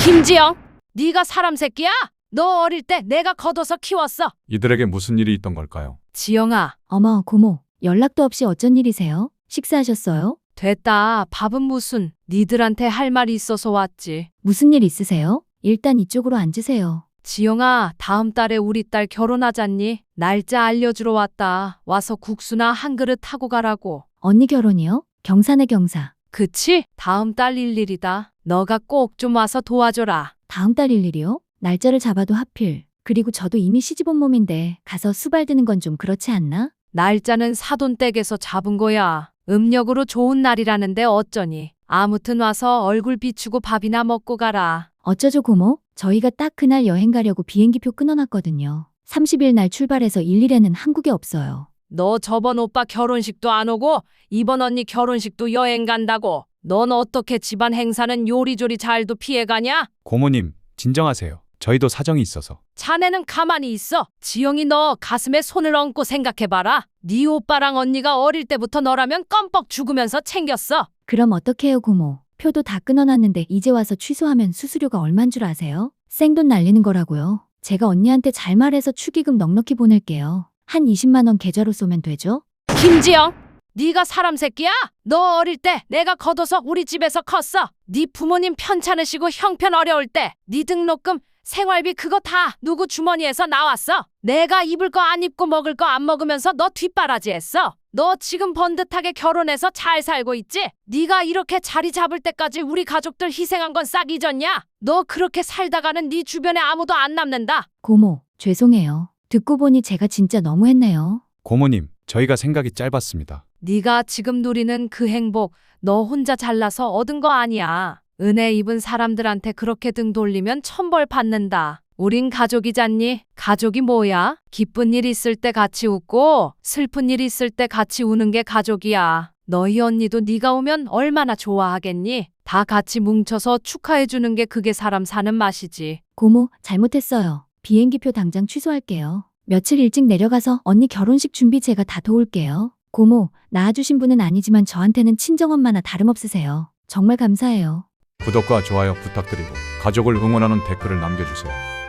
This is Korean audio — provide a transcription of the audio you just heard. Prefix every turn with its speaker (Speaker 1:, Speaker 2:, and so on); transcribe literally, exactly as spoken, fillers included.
Speaker 1: 김지영, 네가 사람 새끼야? 너 어릴 때 내가 걷어서 키웠어.
Speaker 2: 이들에게 무슨 일이 있던 걸까요?
Speaker 1: 지영아,
Speaker 3: 어머, 고모, 연락도 없이 어쩐 일이세요? 식사하셨어요?
Speaker 1: 됐다. 밥은 무슨. 니들한테 할 말이 있어서 왔지.
Speaker 3: 무슨 일 있으세요? 일단 이쪽으로 앉으세요.
Speaker 1: 지영아, 다음 달에 우리 딸 결혼하잖니? 날짜 알려주러 왔다. 와서 국수나 한 그릇 하고 가라고.
Speaker 3: 언니 결혼이요? 경사네 경사.
Speaker 1: 그치? 다음 달 일일이다. 너가 꼭 좀 와서 도와줘라.
Speaker 3: 다음 달 일일이요? 날짜를 잡아도 하필. 그리고 저도 이미 시집 온 몸인데 가서 수발드는 건 좀 그렇지 않나?
Speaker 1: 날짜는 사돈댁에서 잡은 거야. 음력으로 좋은 날이라는데 어쩌니. 아무튼 와서 얼굴 비추고 밥이나 먹고 가라.
Speaker 3: 어쩌죠 고모? 저희가 딱 그날 여행 가려고 비행기표 끊어놨거든요. 삼십 일 날 출발해서 일 일에는 한국에 없어요.
Speaker 1: 너 저번 오빠 결혼식도 안 오고 이번 언니 결혼식도 여행 간다고. 넌 어떻게 집안 행사는 요리조리 잘도 피해가냐?
Speaker 2: 고모님, 진정하세요. 저희도 사정이 있어서.
Speaker 1: 자네는 가만히 있어. 지영이 너 가슴에 손을 얹고 생각해봐라. 네 오빠랑 언니가 어릴 때부터 너라면 껌뻑 죽으면서 챙겼어.
Speaker 3: 그럼 어떡해요 고모? 표도 다 끊어놨는데 이제 와서 취소하면 수수료가 얼만 줄 아세요? 생돈 날리는 거라고요. 제가 언니한테 잘 말해서 축의금 넉넉히 보낼게요. 한 이십만 원 계좌로 쏘면 되죠?
Speaker 1: 김지영, 네가 사람 새끼야? 너 어릴 때 내가 걷어서 우리 집에서 컸어. 네 부모님 편찮으시고 형편 어려울 때 네 등록금 생활비 그거 다 누구 주머니에서 나왔어. 내가 입을 거 안 입고 먹을 거 안 먹으면서 너 뒷바라지 했어. 너 지금 번듯하게 결혼해서 잘 살고 있지? 네가 이렇게 자리 잡을 때까지 우리 가족들 희생한 건 싹 잊었냐? 너 그렇게 살다가는 네 주변에 아무도 안 남는다.
Speaker 3: 고모, 죄송해요. 듣고 보니 제가 진짜 너무했네요.
Speaker 2: 고모님, 저희가 생각이 짧았습니다.
Speaker 1: 네가 지금 누리는 그 행복 너 혼자 잘나서 얻은 거 아니야. 은혜 입은 사람들한테 그렇게 등 돌리면 천벌 받는다. 우린 가족이잖니? 가족이 뭐야? 기쁜 일 있을 때 같이 웃고 슬픈 일 있을 때 같이 우는 게 가족이야. 너희 언니도 네가 오면 얼마나 좋아하겠니? 다 같이 뭉쳐서 축하해 주는 게 그게 사람 사는 맛이지.
Speaker 3: 고모, 잘못했어요. 비행기표 당장 취소할게요. 며칠 일찍 내려가서 언니 결혼식 준비 제가 다 도울게요. 고모, 낳아주신 분은 아니지만 저한테는 친정엄마나 다름없으세요. 정말 감사해요.
Speaker 2: 구독과 좋아요 부탁드리고 가족을 응원하는 댓글을 남겨주세요.